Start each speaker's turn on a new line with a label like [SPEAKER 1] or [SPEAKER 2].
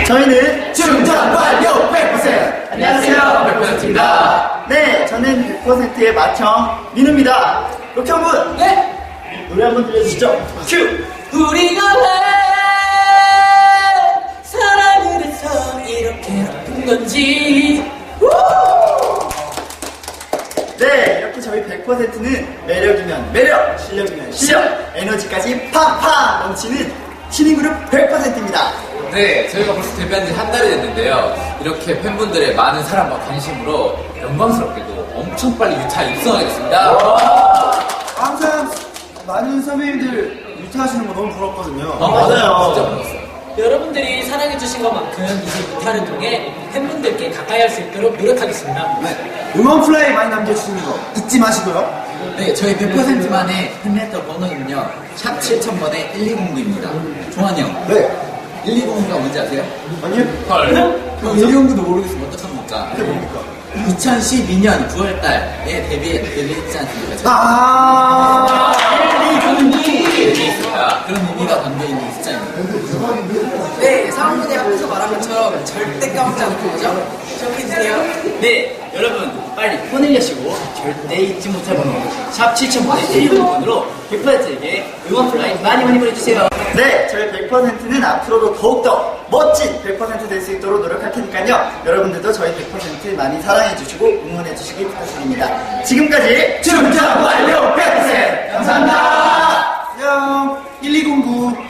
[SPEAKER 1] 저희는
[SPEAKER 2] 충전 완료 100%!
[SPEAKER 1] 안녕하세요,
[SPEAKER 2] 100%입니다.
[SPEAKER 1] 네, 저는 100%의 마청 민우입니다. 록형군,
[SPEAKER 2] 네!
[SPEAKER 1] 노래 한번 들려주시죠. 큐!
[SPEAKER 2] 우리가 왜 사랑을 해서 이렇게 아픈 건지.
[SPEAKER 1] 네, 이렇게 저희 100%는 매력이면 매력, 실력이면 실력, 에너지까지 팡팡 넘치는 신인 그룹 100%입니다.
[SPEAKER 3] 네, 저희가 벌써 데뷔한 지 한 달이 됐는데요. 이렇게 팬분들의 많은 사랑과 관심으로 영광스럽게도 엄청 빨리 유타 입성하게 됐습니다.
[SPEAKER 4] 항상 많은 선배님들 유타하시는 거 너무 부럽거든요.
[SPEAKER 1] 맞아요.
[SPEAKER 3] 진짜 부러웠어요.
[SPEAKER 2] 여러분들이 사랑해주신 것만큼 이제 기타를 통해 팬분들께 가까이 할 수 있도록 노력하겠습니다.
[SPEAKER 4] 네. 응원 플레이 많이 남겨주시는 거 잊지 마시고요.
[SPEAKER 5] 네, 저희 100%만의 팬레터 번호는요, 샵 7000번에 1209입니다. 종환이 형,
[SPEAKER 4] 네.
[SPEAKER 5] 1209가 뭔지 아세요?
[SPEAKER 4] 아니요?
[SPEAKER 3] 헐.
[SPEAKER 5] 그럼 1209도 모르겠으면 어떡합니까?
[SPEAKER 4] 그게 뭡니까?
[SPEAKER 5] 2012년 9월달에 데뷔했지 않습니까?
[SPEAKER 4] 아,
[SPEAKER 5] 있습니다. 그런 의미가 담겨있는 숫자입니다.
[SPEAKER 2] 네, 사람들이 앞에서 말한 것처럼 절대 까먹지 않고 그죠? 기억해주세요.
[SPEAKER 5] 네, 여러분 빨리 폰을 여시고 절대 잊지 못할 번호 샵 7000번의 119번으로 100%에게 응원 플라이 많이 보내주세요.
[SPEAKER 1] 네, 저희 100%는 앞으로도 더욱더 멋진 100% 될 수 있도록 노력할 테니까요. 여러분들도 저희 100% 많이 사랑해주시고 응원해주시기 부탁드립니다. 지금까지
[SPEAKER 2] 충전 완료 100%!
[SPEAKER 1] 감사합니다.
[SPEAKER 4] 안녕. 1209.